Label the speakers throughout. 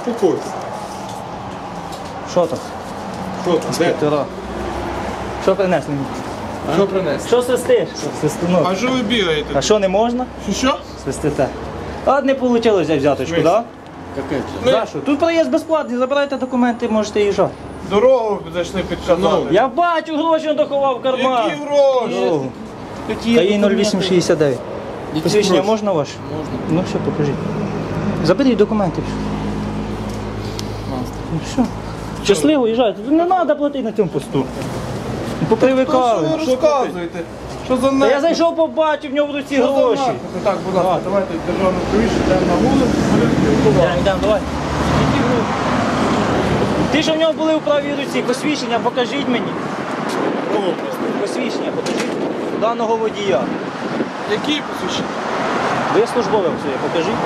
Speaker 1: Успокойся.
Speaker 2: Що там?
Speaker 1: Що там? Де?
Speaker 2: Інспектора. Що принесли?
Speaker 1: Що принесли?
Speaker 2: Що свистиш? Свистунок.
Speaker 1: А що ви бігаєте?
Speaker 2: А що не можна?
Speaker 1: Що?
Speaker 2: Свистите. А не вийшло взяти взяточку, так? За що? Тут проїзд безплатний, забирайте документи, можете їжджати.
Speaker 1: Дорогу зайшли підказати.
Speaker 2: Я бачу, гроші він доховав в карман.
Speaker 1: Які гроші?
Speaker 2: Дорогу.
Speaker 1: Які
Speaker 2: Та їй
Speaker 1: документи?
Speaker 2: 0869. Посвідчення можна ваше? Можна. Ну все, покажіть. Заберіть документи. Ну все. Щасливо їжджайте. Тут не треба платити на цьому посту. Попривикали.
Speaker 1: Що ви розказуєте? Що за
Speaker 2: Та
Speaker 1: нахід?
Speaker 2: я зайшов, побачив, в нього в руці
Speaker 1: Що за
Speaker 2: гроші.
Speaker 1: нахід? Так, будь ласка, давайте державну повішу, йдемо на вулицю, будемо спілкуватися.
Speaker 2: Йдемо, давай. Ті, що в нього були у правій руці, посвідчення покажіть мені. Посвідчення покажіть. Даного водія.
Speaker 1: Які посвідчення?
Speaker 2: Ви службове своє, покажіть.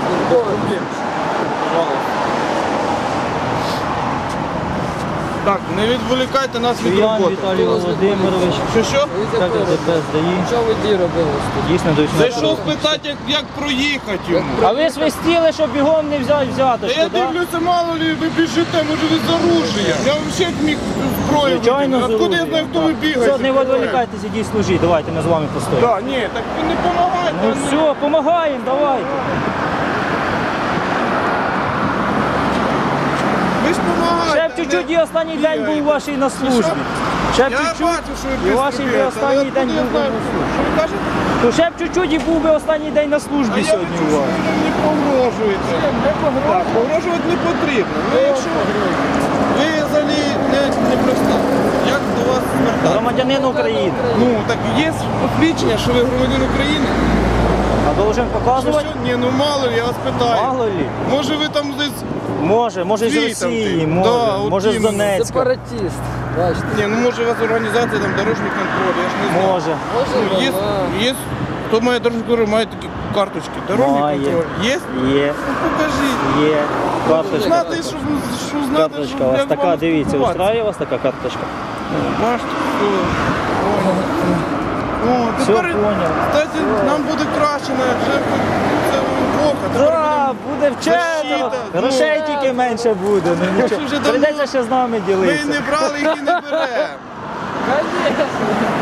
Speaker 1: Так, не відволікайте нас від
Speaker 2: Шуян
Speaker 1: роботи.
Speaker 2: Віталій Володимирович.
Speaker 1: Що?
Speaker 2: Так, ДПС ДАІ.
Speaker 3: Що ви ді робили?
Speaker 2: Дійсно, до 18
Speaker 1: Зайшов
Speaker 2: років.
Speaker 1: спитати, як проїхати йому.
Speaker 2: А ви свистіли, щоб бігом не взяти
Speaker 1: Та
Speaker 2: взяточку,
Speaker 1: я
Speaker 2: так?
Speaker 1: дивлюся, мало ли ви біжите, може ви з оружієм. Я взагалі міг зброю
Speaker 2: Звичайно,
Speaker 1: викинути. Откуда я знаю, хто ви бігаєте?
Speaker 2: Все, не відволікайтеся, ідіть служіть, давайте ми з вами постоїмо.
Speaker 1: Так, ні, так ви не допомагайте.
Speaker 2: Ну все, допомагаємо, давайте.
Speaker 1: Ви ж допомагаєте.
Speaker 2: Ще б чуть-чуть і останній день був вашій на службі. Ще б
Speaker 1: Я
Speaker 2: чуть-чуть
Speaker 1: бачу, що ви
Speaker 2: і вашій би останній день був би на службі.
Speaker 1: Що ви кажете?
Speaker 2: То ще б чуть-чуть і був би останній день на
Speaker 1: А
Speaker 2: службі
Speaker 1: я
Speaker 2: сьогодні
Speaker 1: бачу,
Speaker 2: у
Speaker 1: що
Speaker 2: вас.
Speaker 1: ви мені погрожуєте. Так, погрожувати не потрібно. Ну, якщо ви взагалі не просто, як до вас звертатися?
Speaker 2: Громадянин України.
Speaker 1: Ну, так є посвідчення, що ви громадянин України?
Speaker 2: А должен
Speaker 1: Що,
Speaker 2: показувати?
Speaker 1: Ні, ну мало ли, я вас питаю.
Speaker 2: Мало лі.
Speaker 1: Може ви там десь...
Speaker 2: Може з
Speaker 1: Звідти
Speaker 2: Росії,
Speaker 1: ти.
Speaker 2: може,
Speaker 1: Да, от
Speaker 2: може з
Speaker 1: іменно.
Speaker 2: Донецька.
Speaker 3: Сепаратіст. Бачите.
Speaker 1: Ні, ну може у вас організація там дорожній контроль, я ж не знаю.
Speaker 2: Може.
Speaker 3: Може,
Speaker 1: Є,
Speaker 3: вона.
Speaker 1: є, хто має дорожній контроль, має такі карточки. Дорожній
Speaker 2: Має.
Speaker 1: контроль. Є?
Speaker 2: Є,
Speaker 1: Ну покажіть.
Speaker 2: є. Карточка.
Speaker 1: Знати, що знати,
Speaker 2: Карточка у вас така, дивіться, устраює вас така карточка?
Speaker 1: Бачите, о,
Speaker 2: Все
Speaker 1: тепер,
Speaker 2: поняв.
Speaker 1: кстати, нам буде краще, вже це епоха.
Speaker 2: Так, буде вчено.
Speaker 1: Защита,
Speaker 2: Грошей тільки менше буде. Ну, нічого.
Speaker 1: вже давно-
Speaker 2: Прийдеться ще з нами
Speaker 1: Ми
Speaker 2: ділитися.
Speaker 1: не брали їх і не беремо.
Speaker 3: Конечно.